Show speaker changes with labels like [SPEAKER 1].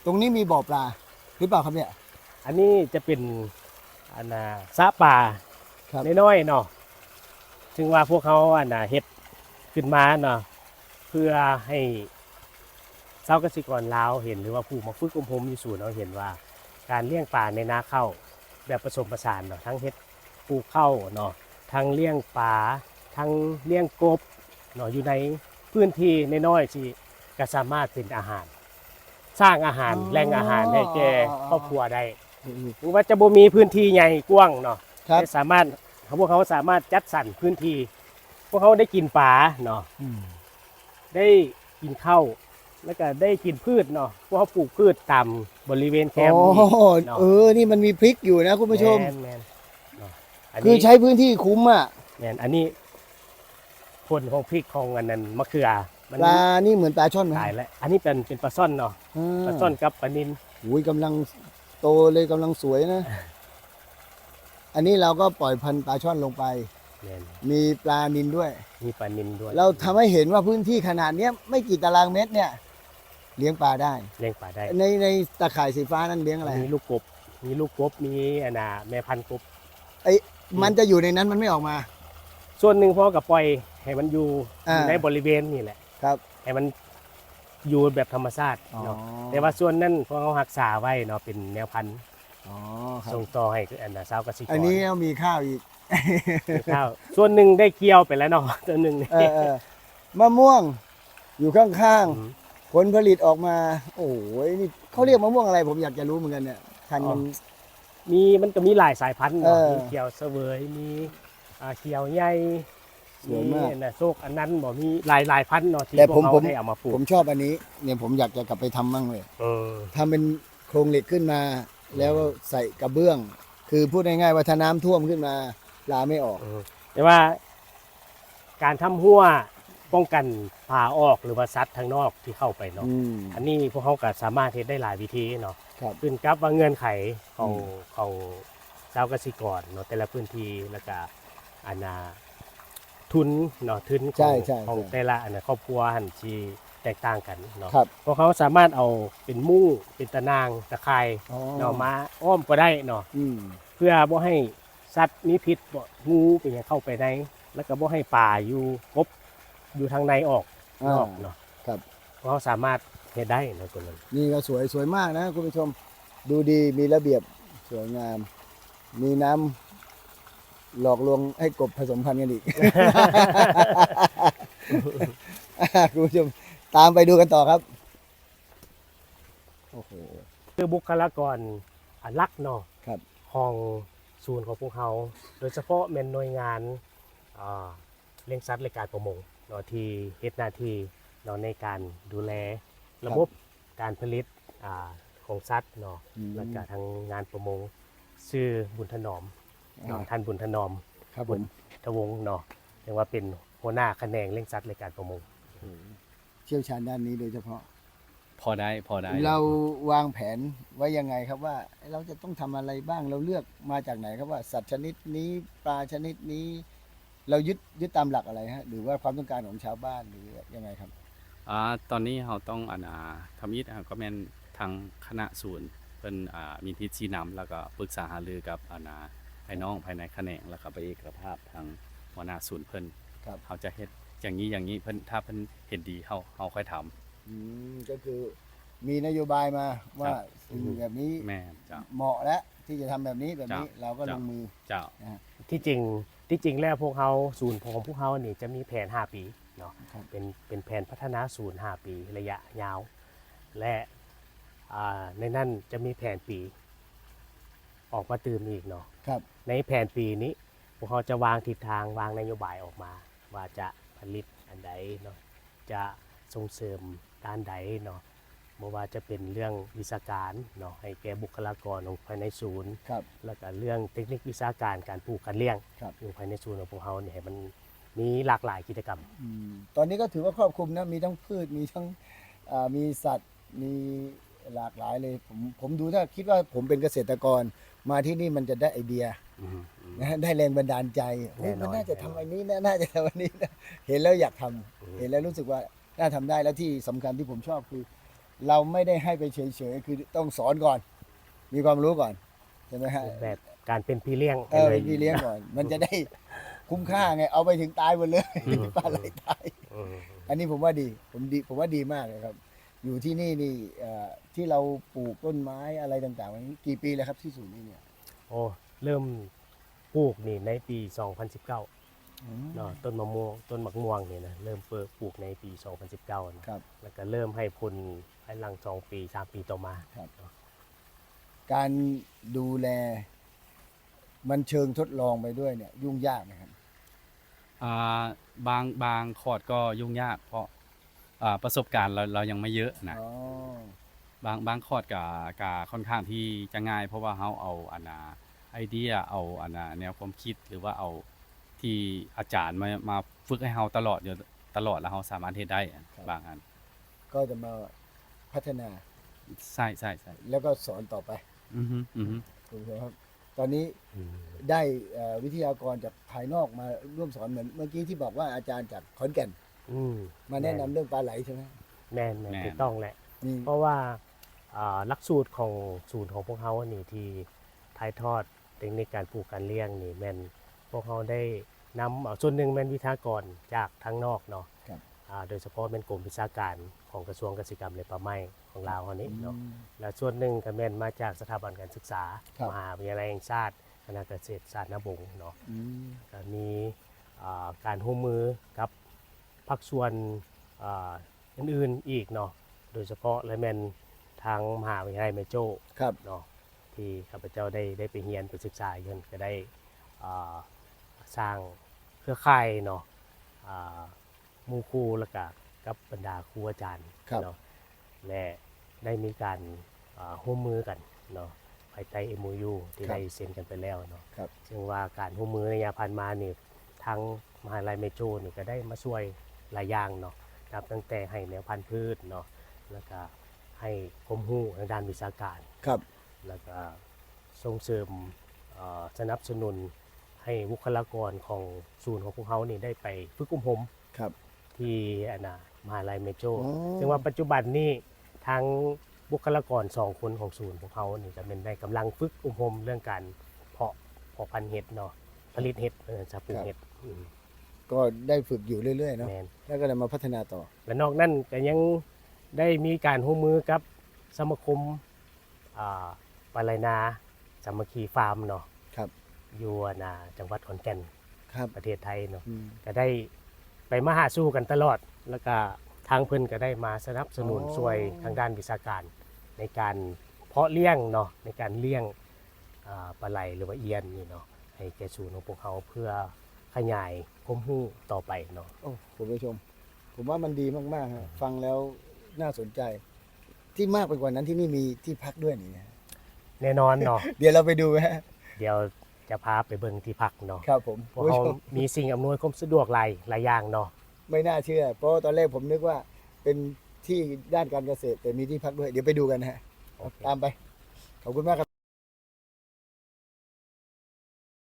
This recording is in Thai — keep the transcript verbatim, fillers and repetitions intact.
[SPEAKER 1] ตรงนี้มีบ่อปลาหรือเปล่าครับเนี่ย
[SPEAKER 2] อันนี้จะเป็นอันน่ะสระป่า
[SPEAKER 1] ครับ
[SPEAKER 2] น้อยๆเนาะถึงว่าพวกเขาอันน่ะเฮ็ดขึ้นมาเนาะเพื่อให้ชาวเกษตรกรลาวเห็นหรือว่าผู้มาฝึกอบรมอยู่ศูนย์เราเห็นว่า การเลี้ยงปลาในนาข้าวแบบผสมผสานเนาะทั้งเฮ็ดปลูกข้าวเนาะทั้งเลี้ยงปลาทั้งเลี้ยงกบเนาะอยู่ในพื้นที่น้อยๆที่ก็สามารถเป็นอาหาร สร้างอาหารแหล่งอาหารให้แก่ครอบครัวได้ถึงว่าจะบ่มีพื้นที่ใหญ่กว้างเนาะ
[SPEAKER 1] ครับ
[SPEAKER 2] แต่สามารถพวกเขาสามารถจัดสรรพื้นที่ พวกเขาได้กินปลาเนาะ
[SPEAKER 1] อืม
[SPEAKER 2] ได้กินข้าวแล้วก็ได้กินพืชเนาะพวกเขาปลูกพืชตามบริเวณแคมป์
[SPEAKER 1] โอ้
[SPEAKER 2] นี่เนาะ
[SPEAKER 1] เออนี่มันมีพริกอยู่นะคุณผู้ชม
[SPEAKER 2] แม่นแม่นเนาะอัน
[SPEAKER 1] คือ
[SPEAKER 2] นี้
[SPEAKER 1] ใช้พื้นที่คุ้มอ่ะ
[SPEAKER 2] แม่นอันนี้ผลของพริกของอันนั้นมะเขือมัน
[SPEAKER 1] ปลานี่เหมือนปลาช่อนไหม
[SPEAKER 2] ตายแล้วอันนี้เป็นเป็นปลาซ่อนเนาะ
[SPEAKER 1] อ่า
[SPEAKER 2] ปลาซ่อนกับปลานิล
[SPEAKER 1] อุ้ยกำลังโตเลยกำลังสวยนะ อันนี้เราก็ปล่อยพันธุ์ปลาช่อนลงไป
[SPEAKER 2] แม่น
[SPEAKER 1] มีปลานิลด้วย
[SPEAKER 2] มีปลานิลด้วย
[SPEAKER 1] เราทำให้เห็นว่าพื้นที่ขนาดเนี้ยไม่กี่ตารางเมตรเนี่ย เลี้ยงปลาได้
[SPEAKER 2] เลี้ยงปลาได้
[SPEAKER 1] ในในตะข่ายสีฟ้านั้นเลี้ยงอะไร
[SPEAKER 2] มีลูกกบ มีลูกกบ มีอันน่ะแม่พันธุ์กบ
[SPEAKER 1] ไอ้มันจะอยู่ในนั้นมันไม่ออกมา
[SPEAKER 2] ส่วนหนึ่งพ่อกับปล่อยให้มันอยู่
[SPEAKER 1] อ่า
[SPEAKER 2] อยู่ในบริเวณนี่แหละ
[SPEAKER 1] ครับ
[SPEAKER 2] ให้มันอยู่แบบธรรมชาติ
[SPEAKER 1] อ๋อ
[SPEAKER 2] เนาะแต่ว่าส่วนนั้นพวกเขารักษาไว้เนาะเป็นแนวพันธุ์
[SPEAKER 1] อ๋อครับ
[SPEAKER 2] ส่งต่อให้อันน่ะชาวเกษตรกร
[SPEAKER 1] อันนี้มีข้าวอีก
[SPEAKER 2] มีข้าวส่วนหนึ่งได้เกี่ยวไปแล้วเนาะตัวหนึ่ง
[SPEAKER 1] เออเออมะม่วงอยู่ข้าง
[SPEAKER 2] อืม
[SPEAKER 1] ๆผลผลิตออกมา โอ้ยนี่เขาเรียกมะม่วงอะไร ผมอยากจะรู้เหมือนกันเนี่ยพันธุ์มัน
[SPEAKER 2] มีมันก็มีหลายสายพันธุ์เนาะ
[SPEAKER 1] เออ
[SPEAKER 2] มีเขียวเสวยมีอ่าเขียวใหญ่
[SPEAKER 1] สวยมาก
[SPEAKER 2] อันน่ะโซกอันนั้นบ่มีหลายหลายพันธุ์เนาะที่
[SPEAKER 1] แต่
[SPEAKER 2] พ
[SPEAKER 1] ผ
[SPEAKER 2] ว
[SPEAKER 1] ม
[SPEAKER 2] ก
[SPEAKER 1] ผ
[SPEAKER 2] เขา
[SPEAKER 1] ม
[SPEAKER 2] ได้เอามาปลู
[SPEAKER 1] ผ
[SPEAKER 2] ก
[SPEAKER 1] มชอบอันนี้ เนี่ยผมอยากจะกลับไปทำมั่งเลย
[SPEAKER 2] เออ
[SPEAKER 1] ทำเป็นโครงเหล็กขึ้นมา แล้วใส่กระเบื้อง คือพูดง่ายๆว่าถ้าน้ำท่วมขึ้นมาปลาไม่ออก
[SPEAKER 2] เออแต่ว่าการทำหัวป้องกันผาออกหรือว่าซัดทางนอกที่เข้าไปเนาะ
[SPEAKER 1] อืม
[SPEAKER 2] อันนี้พวกเขาก็สามารถเฮ็ดได้หลายวิธีเนาะ
[SPEAKER 1] ครับ
[SPEAKER 2] ขึ้นกับว่าเงื่อนไขของ
[SPEAKER 1] อืม
[SPEAKER 2] ของชาวเกษตรกรเนาะแต่ละพื้นที่แล้วก็อันน่ะทุนเนาะทุนข
[SPEAKER 1] ใช่
[SPEAKER 2] อง
[SPEAKER 1] ใช่
[SPEAKER 2] ของ
[SPEAKER 1] ใช่
[SPEAKER 2] แต่ละอันน่ะครอบครัวหันที่แตกต่างกันเนาะ
[SPEAKER 1] ครับ
[SPEAKER 2] พวกเขาสามารถเอาเป็นมุ้งเป็นตะนางตะข่าย
[SPEAKER 1] อ๋อ
[SPEAKER 2] เนาะมาอ้อมก็ได้เนาะ
[SPEAKER 1] อืม
[SPEAKER 2] เพื่อบ่ให้สัตว์มีพิษบ่งูเป็นหยังเข้าไปในแล้วก็บ่ให้ป่าอยู่กบอยู่ทางในออกน
[SPEAKER 1] อ่า
[SPEAKER 2] อกเนาะ
[SPEAKER 1] ครับ
[SPEAKER 2] เพราะเขาสามารถเฮ็ดได้เนาะตัวนั้น
[SPEAKER 1] นี่ก็สวยสวยมากนะคุณผู้ชม ดูดีมีระเบียบสวยงาม มีน้ำหลอกลวงให้กบผสมพันธุ์กันอีก คุณผู้ชมตามไปดูกันต่อครับ โอ้โห
[SPEAKER 2] คือบุคลากรอันลักเนาะ
[SPEAKER 1] ครับ
[SPEAKER 2] ของศูนย์ของพวกเขาโดยเฉพาะแม่นหน่วยงานอ่าเลี้ยงสัตว์และการประมงเนาะที่เฮ็ดหน้าที่เนาะในการดูแลระบบการผลิตอ่าของสัตว์เนาะ
[SPEAKER 1] อืม
[SPEAKER 2] แล้วก็ทางงานประมงชื่อบุญถนอมเนาะท่านบุญถนอม
[SPEAKER 1] ครับผ
[SPEAKER 2] บุ
[SPEAKER 1] ม
[SPEAKER 2] ญทวงศ์เนาะเรียกว่าเป็นหัวหน้าแขนงเลี้ยงสัตว์และการประมง
[SPEAKER 1] เชี่ยวชาญด้านนี้โดยเฉพาะ
[SPEAKER 3] พอได้พอได้
[SPEAKER 1] เราวางแผนไว้ยังไงครับว่า เราจะต้องทำอะไรบ้างเราเลือกมาจากไหนครับว่าสัตว์ชนิดนี้ปลาชนิดนี้ เรายึดยึดตามหลักอะไรฮะหรือว่าความต้องการของชาวบ้านหรือยังไงครับ
[SPEAKER 3] อ่าตอนนี้เราต้องอานาทำยิดก็แม่นทางคณะศูนย์เพิ่นอ่ามีทิศชี้นำแล้วก็ปรึกษาหารือกับอานาพี่น้องภายในแขนงแล้วก็ไปเอกภาพทางหัวหน้าศูนย์เพิ่น
[SPEAKER 1] ครับ
[SPEAKER 3] เขาจะเฮ็ดอย่างนี้อย่างนี้เพิ่นถ้าเพิ่นเห็นดีเฮาเฮาค่อยทำ
[SPEAKER 1] อืมก็คือมีนโยบายมาว่า
[SPEAKER 3] ครับ
[SPEAKER 1] สิ่งแบบนี้
[SPEAKER 3] แม่นเจ้า
[SPEAKER 1] เหมาะแล้วที่จะทำแบบนี้แบบนี้
[SPEAKER 3] จ้ะ
[SPEAKER 1] เราก็ล
[SPEAKER 3] จ้ะ
[SPEAKER 1] งมือ
[SPEAKER 3] เจ้า
[SPEAKER 1] นะฮะ
[SPEAKER 2] ที่จริงที่จริงแล้วพวกเขาศูนย์ของพวกเขานี่จะมีแผนห้าปีเนาะ
[SPEAKER 1] ครับ
[SPEAKER 2] เป็นเป็นแผนพัฒนาศูนย์ห้าปีระยะยาว และอ่าในนั้นจะมีแผนปี ออกมาตื่มอีกเนาะ
[SPEAKER 1] ครับ
[SPEAKER 2] ในแผนปีนี้พวกเขาจะวางทิศทางวางนโยบายออกมา ว่าจะผลิตอันใดเนาะจะส่งเสริมด้านใดเนาะไม่ว่าจะเป็นเรื่องวิชาการเนาะให้แก่บุคลากรของภายในศูนย์
[SPEAKER 1] ครับ
[SPEAKER 2] แล้วก็เรื่องเทคนิควิชาการการปลูกการเลี้ยง
[SPEAKER 1] ครับ
[SPEAKER 2] อยู่ภายในศูนย์ของพวกเขาเนี่ยให้มันมีหลากหลายกิจกรรม
[SPEAKER 1] อืมตอนนี้ก็ถือว่าครอบคลุมนะมีทั้งพืชมีทั้งอ่ามีสัตว์มีหลากหลายเลยผมผมดูถ้าคิดว่าผมเป็นเกษตรกรมาที่นี่มันจะได้ไอเดีย
[SPEAKER 2] อืมอืม
[SPEAKER 1] นะฮะได้แรงบันดาลใจเฮ้ย
[SPEAKER 2] แน่นอน
[SPEAKER 1] มันน่าจะ
[SPEAKER 2] แน่นอน
[SPEAKER 1] ทำอันนี้นะน่าจะทำอันนี้นะเห็นแล้วอยากทำ
[SPEAKER 2] อืม
[SPEAKER 1] เห็นแล้วรู้สึกว่าน่าทำได้แล้วที่สำคัญที่ผมชอบคือเราไม่ได้ให้ไปเฉยๆคือต้องสอนก่อน มีความรู้ก่อนใช่ไหมฮะ
[SPEAKER 2] รูปแบบการเป็นพี่เลี้ยง
[SPEAKER 1] เออเป็นพี่เลี้ยงก่อน มันจะได้คุ้มค่าไงเอาไปถึงตายหมดเลย
[SPEAKER 2] อืม
[SPEAKER 1] ปลาไหลตาย
[SPEAKER 2] อืม
[SPEAKER 1] อันนี้ผมว่าดีผมดีผมว่าดีมากเลยครับ อยู่ที่นี่นี่เอ่อที่เราปลูกต้นไม้อะไรต่างๆวันนี้กี่ปีแล้วครับที่ศูนย์นี้เนี่ย
[SPEAKER 2] โอ้เริ่มปลูกนี่ในปี สองพันสิบเก้า
[SPEAKER 1] อืม
[SPEAKER 2] เนาะต้นมะม่วงต้นมะม่วงนี่นะเริ่มเปิดปลูกในปี สองพันสิบเก้านะครับ แล้วก็เริ่มให้ผลภายหลังสองปีสามปีต่อมา
[SPEAKER 1] ครับ การดูแล มันเชิงทดลองไปด้วยเนี่ย ยุ่งยากไหมครับ
[SPEAKER 3] อ่าบางบางคอร์ดก็ยุ่งยากเพราะอ่าประสบการณ์เราเรายังไม่เยอะนะ
[SPEAKER 1] อ๋อ
[SPEAKER 3] บางบางคอร์ดก็ก็ค่อนข้างที่จะง่าย เพราะว่าเราเอาอันน่ะไอเดียเอาอันน่ะแนวความคิดหรือว่าเอาที่อาจารย์มามาฝึกให้เราตลอดอยู่ตลอดแล้วเราสามารถเฮ็ดได้อะบางอัน
[SPEAKER 1] ก็จะมาพัฒนา
[SPEAKER 3] ใช่ใช่ใช่
[SPEAKER 1] แล้วก็สอนต่อไป
[SPEAKER 3] อือฮึอือฮึ
[SPEAKER 1] คุณผู้ชมครับ ตอนนี้
[SPEAKER 2] อืม
[SPEAKER 1] ได้เอ่อวิทยากรจากภายนอกมาร่วมสอนเหมือนเมื่อกี้ที่บอกว่าอาจารย์จากขอนแก่น
[SPEAKER 2] อืม
[SPEAKER 1] มาแนะนำเรื่องปลาไหลใช่ไหม
[SPEAKER 2] แม่นแม่นถูกต้องแหละ
[SPEAKER 1] มี
[SPEAKER 2] เพราะว่าอ่าหลักสูตรของศูนย์ของพวกเขาอันนี่ที่ถ่ายทอดเทคนิคการปลูกการเลี้ยงนี่แม่นพวกเขาได้นำเอาส่วนหนึ่งแม่นวิทยากรจากทางนอกเนาะ
[SPEAKER 1] ครับ
[SPEAKER 2] อ่าโดยเฉพาะแม่นกรมวิชาการของกระทรวงเกษตรกรรมและป่าไม้ของลาวเฮานี้เนาะ
[SPEAKER 1] อืม
[SPEAKER 2] และส่วนหนึ่งก็แม่นมาจากสถาบันการศึกษา
[SPEAKER 1] ครับ
[SPEAKER 2] มหาวิทยาลัยแห่งชาติคณะเกษตรศาสตร์นบงเนาะ
[SPEAKER 1] อืม
[SPEAKER 2] ก็มีอ่าการร่วมมือกับภาคส่วนอ่าอื่นๆอีกเนาะโดยเฉพาะและแม่นทางมหาวิทยาลัยแม่โจ้
[SPEAKER 1] ครับ
[SPEAKER 2] เนาะที่ข้าพเจ้าได้ได้ไปเรียนไปศึกษาอยู่นั่นก็ได้อ่าสร้างเครือข่ายเนาะอ่าหมู่ครูแล้วก็กับบรรดาครูอาจารย์
[SPEAKER 1] ครับ
[SPEAKER 2] เนาะและได้มีการอ่าร่วมมือกันเนาะภายใต้ เอ็ม โอ ยู ที่ได้เซ็นกันไปแล้วเนาะ
[SPEAKER 1] ครับ
[SPEAKER 2] ซึ่งว่าการร่วมมือในระยะผ่านมานี่ทางมหาลัยเมโจนี่ก็ได้มาช่วยหลายอย่างเนาะนับตั้งแต่ให้แนวพันธุ์พืชเนาะแล้วก็ให้ความรู้ทางด้านวิชาการ
[SPEAKER 1] ครับ
[SPEAKER 2] แล้วก็ส่งเสริมเอ่อสนับสนุนให้บุคลากรของศูนย์ของพวกเขานี่ได้ไปฝึกอบรม
[SPEAKER 1] ครับ
[SPEAKER 2] ที่อนนามหาลัยเมโจ
[SPEAKER 1] อ๋อ
[SPEAKER 2] ซึ่งว่าปัจจุบันนี้ทางบุคลากรสองคนของศูนย์ของเขานี่จะเป็นได้กำลังฝึกอบรมเรื่องการเพาะเพาะพันธุ์เห็ดเนาะผลิตเห็ดเออจะปลูกเห็ดอืม
[SPEAKER 1] ก็ได้ฝึกอยู่เรื่อยๆเนาะ
[SPEAKER 2] แมน
[SPEAKER 1] แล้วก็เลยมาพัฒนาต่อ
[SPEAKER 2] และนอกนั้นก็ยังได้มีการร่วมมือกับสมาคมอ่าปลาไหลนาสามัคคีฟาร์มเนาะ
[SPEAKER 1] ครับ
[SPEAKER 2] อยู่นาจังหวัดขอนแก่น
[SPEAKER 1] ครับ
[SPEAKER 2] ประเทศไทยเนาะ
[SPEAKER 1] อืม
[SPEAKER 2] ก็ได้ไปมาหาสู้กันตลอด แล้วก็ทางเพิ่นก็ได้มาสนับสนุน
[SPEAKER 1] อ๋อ
[SPEAKER 2] ช่วยทางด้านวิชาการ ในการเพาะเลี้ยงเนาะในการเลี้ยงอ่าปลาไหลหรือว่าเอียนนี่เนาะให้แก่ศูนย์ของพวกเขาเพื่อขยายความรู้ต่อไปเนาะ
[SPEAKER 1] โอ้คุณผู้ชม ผมว่ามันดีมากๆฮะฟังแล้วน่าสนใจ ที่มากไปกว่านั้นที่นี่มีที่พักด้วยนี่นะ
[SPEAKER 2] แน่นอนเนาะ
[SPEAKER 1] เดี๋ยวเราไปดูฮะ
[SPEAKER 2] เดี๋ยวจะพาไปเบิ่งที่พักเนาะ
[SPEAKER 1] ครับผม
[SPEAKER 2] พวก
[SPEAKER 1] คุณ
[SPEAKER 2] เขา
[SPEAKER 1] ผู้ชม
[SPEAKER 2] มีสิ่งอำนวยความสะดวกหลายหลายอย่างเนาะ
[SPEAKER 1] ไม่น่าเชื่อ เพราะว่าตอนแรกผมนึกว่าเป็นที่ด้านการเกษตร แต่มีที่พักด้วย เดี๋ยวไปดูกันนะฮะ
[SPEAKER 2] โอเค
[SPEAKER 1] ตามไป ขอบคุณมากครับ